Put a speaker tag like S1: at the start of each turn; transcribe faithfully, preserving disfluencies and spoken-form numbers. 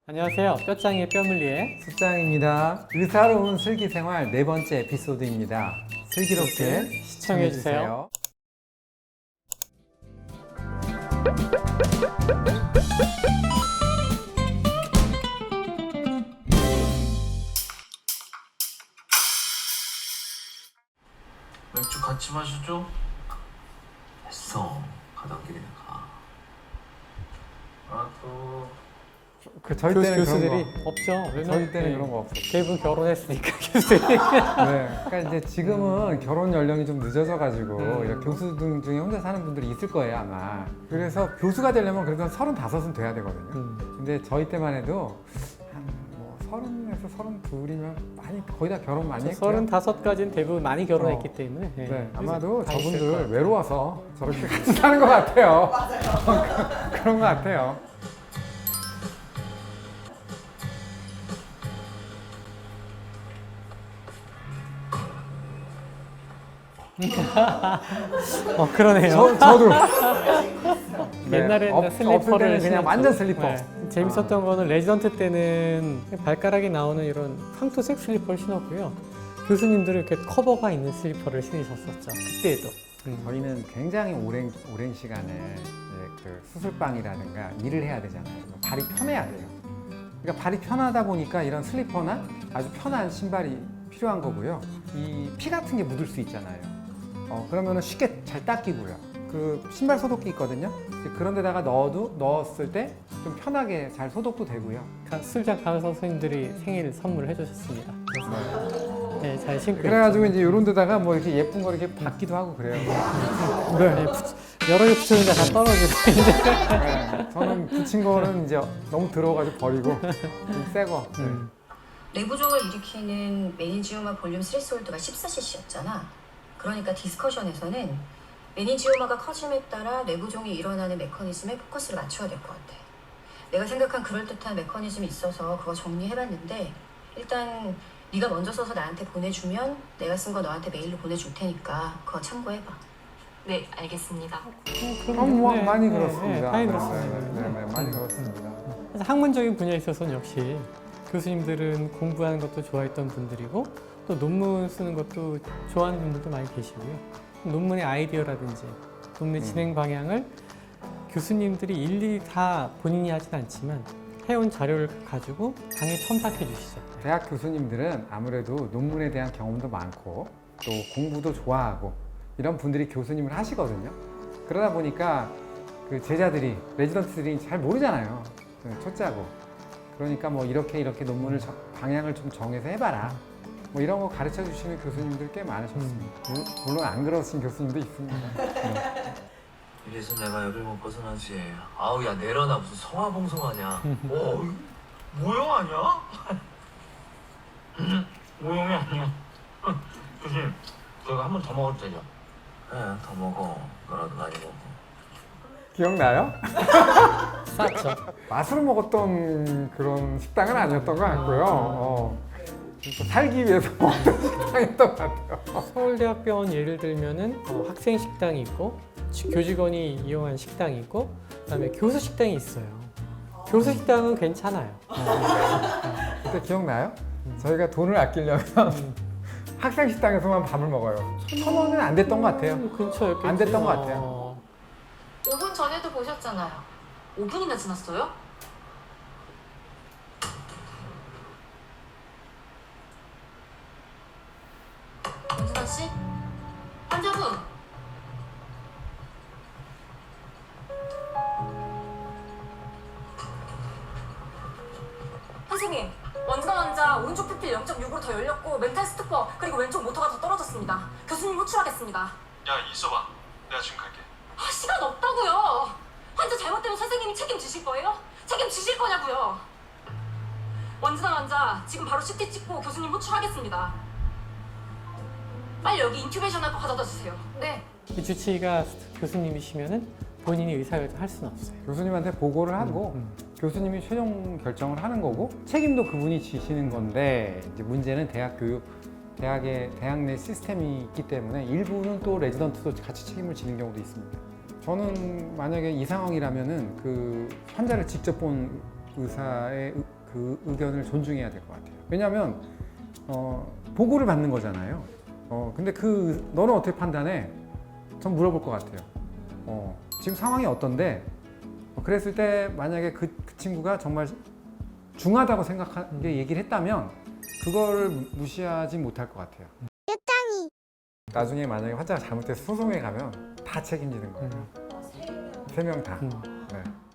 S1: 안녕하세요. 뼈짱의 뼈물리의
S2: 수짱입니다. 의사로운 슬기생활 네 번째 에피소드입니다. 슬기롭게 시청해주세요.
S3: 맥주 같이 마시죠? 됐어. 가던 길이나 가. 아 또.
S2: 그 저희
S1: 교수,
S2: 때는
S1: 교수들이
S2: 그런 거,
S1: 없죠. 왜냐면
S2: 저희 때는
S1: 네,
S2: 그런 거 없었어요.
S1: 대부분 결혼했으니까 교수들이.
S2: 네, 그러니까 이제 지금은 결혼 연령이 좀 늦어져가지고
S1: 음.
S2: 이렇게 교수 등 중에 혼자 사는 분들이 있을 거예요 아마. 그래서 교수가 되려면 그래도 서른다섯은 돼야 되거든요.
S1: 음.
S2: 근데 저희 때만 해도 한뭐 서른에서 서른둘이면 많이 거의 다 결혼 많이 했고요.
S1: 서른다섯까지는 대부분 많이 결혼했기
S2: 어.
S1: 때문에. 네.
S2: 네,
S1: 그래서
S2: 아마도
S1: 다 있을 것
S2: 저분들
S1: 같아요.
S2: 외로워서 저렇게 같이 사는 것 같아요. 맞아요. 그런 것 같아요.
S1: 어 그러네요.
S2: 저, 저도
S1: 옛날에는
S2: 없- 없을
S1: 슬리퍼를
S2: 때는 그냥
S1: 신었죠.
S2: 완전 슬리퍼.
S1: 네. 재밌었던 거는 레지던트 때는 발가락이 나오는 이런 황토색 슬리퍼를 신었고요. 교수님들은 이렇게 커버가 있는 슬리퍼를 신으셨었죠. 그때도. 음.
S2: 저희는 굉장히 오랜, 오랜 시간을 이제 그 수술방이라든가 일을 해야 되잖아요. 발이 편해야 돼요. 그러니까 발이 편하다 보니까 이런 슬리퍼나 아주 편한 신발이 필요한 거고요. 이 피 같은 게 묻을 수 있잖아요. 어, 그러면 쉽게 잘 닦이고요. 그 신발 소독기 있거든요. 이제 그런 데다가 넣어도 넣었을 때 좀 편하게 잘 소독도 되고요.
S1: 가- 술장 강사 선생님들이 생일 선물을 해주셨습니다. 그래서 네, 잘 신고
S2: 그래가지고
S1: 있죠.
S2: 이제 이런 데다가 뭐 이렇게 예쁜 거 이렇게 받기도 하고 그래요.
S1: 네, 붙- 여러 개 붙였는데 다 떨어지고 이제.
S2: 네, 저는 붙인 거는 이제 너무 더러워가지고 버리고 좀 새 거. 네.
S1: 음.
S4: 내부종을 일으키는 메닌지오마 볼륨 스레스홀드가 십사 씨씨였잖아. 그러니까 디스커션에서는 메닌지오마가 커짐에 따라 내부종이 일어나는 메커니즘에 포커스를 맞춰야 될 것 같아. 내가 생각한 그럴듯한 메커니즘이 있어서 그거 정리해봤는데 일단 네가 먼저 써서 나한테 보내주면 내가 쓴 거 너한테 메일로 보내줄 테니까 그거 참고해봐.
S5: 네, 알겠습니다.
S2: 어, 뭐
S1: 네,
S2: 많이
S1: 네,
S2: 그렇습니다.
S1: 네, 많이
S2: 네,
S1: 그렇습니다.
S2: 네, 네, 네, 많이 그렇습니다.
S1: 그래서 학문적인 분야에 있어서는 역시 교수님들은 공부하는 것도 좋아했던 분들이고 또 논문 쓰는 것도 좋아하는 분들도 많이 계시고요. 논문의 아이디어라든지 논문의
S2: 음.
S1: 진행 방향을 교수님들이 일일이 다 본인이 하진 않지만 해온 자료를 가지고 강의 첨삭해 주시죠.
S2: 대학 교수님들은 아무래도 논문에 대한 경험도 많고 또 공부도 좋아하고 이런 분들이 교수님을 하시거든요. 그러다 보니까 그 제자들이 레지던트들이 잘 모르잖아요. 그 초짜고. 그러니까 뭐 이렇게 이렇게 논문을 저- 방향을 좀 정해서 해봐라. 뭐 이런 거 가르쳐 주시는 교수님들 꽤 많으셨습니다. 물- 물론 안 그러신 교수님도 있습니다. 네.
S3: 이래서 내가 여길 못 벗어나지. 아우 야 내려놔 무슨 성화봉송하냐. 오 모형 아니야? 모형이 아니야. 교수님 저희가 한 번 더 먹어도 되죠? 네더 먹어. 너라도 많이 먹어.
S2: 기억나요?
S1: 쌌죠.
S2: 맛으로 먹었던 그런 식당은 아니었던 것 같고요. 어, 좀 살기 위해서 먹던 식당이었던 것 같아요.
S1: 서울대학병원 예를 들면은 어, 학생 식당이 있고 지- 교직원이 이용한 식당이 있고 그다음에 교수 식당이 있어요. 교수 식당은 괜찮아요.
S2: 그때 기억나요? 저희가 돈을 아끼려면 학생 식당에서만 밥을 먹어요. 천 원은 안 됐던 것 같아요.
S1: 음, 근처였겠지.
S2: 안 됐던 것 같아요.
S1: 어,
S5: 오 분 전에도 보셨잖아요. 오 분이나 지났어요? 윤수아 씨? 환자분! 선생님, 원장 환자 오른쪽 피필 영 점 육으로 더 열렸고 멘탈 스투퍼 그리고 왼쪽 모터가 더 떨어졌습니다. 교수님 호출하겠습니다.
S6: 야 있어봐. 내가 지금 갈게.
S5: 아, 시간 없다고요. 환자 잘못되면 선생님이 책임지실 거예요? 책임지실 거냐고요. 원진아 환자 지금 바로 씨티 찍고 교수님 호출하겠습니다. 빨리 여기 인큐베이션 할 거 가져다 주세요. 네.
S1: 이 주치의가 교수님이시면은 본인이 의사결정 할 수는 없어요.
S2: 교수님한테 보고를 하고
S1: 음,
S2: 교수님이 최종 결정을 하는 거고 책임도 그분이 지시는 건데 이제 문제는 대학 교육, 대학의 대학 내 시스템이 있기 때문에 일부는 또 레지던트도 같이 책임을 지는 경우도 있습니다. 저는 만약에 이 상황이라면은 그 환자를 직접 본 의사의 그 의견을 존중해야 될 것 같아요. 왜냐하면 어, 보고를 받는 거잖아요. 어, 근데 그 너는 어떻게 판단해? 전 물어볼 것 같아요. 어, 지금 상황이 어떤데? 어, 그랬을 때 만약에 그, 그 친구가 정말 중하다고 생각하게 얘기를 했다면 그걸 무시하지 못할 것 같아요. 나중에 만약에 환자가 잘못돼서 소송에 가면 다 책임지는 거예요. 세 명 다.
S1: 음.
S2: 네.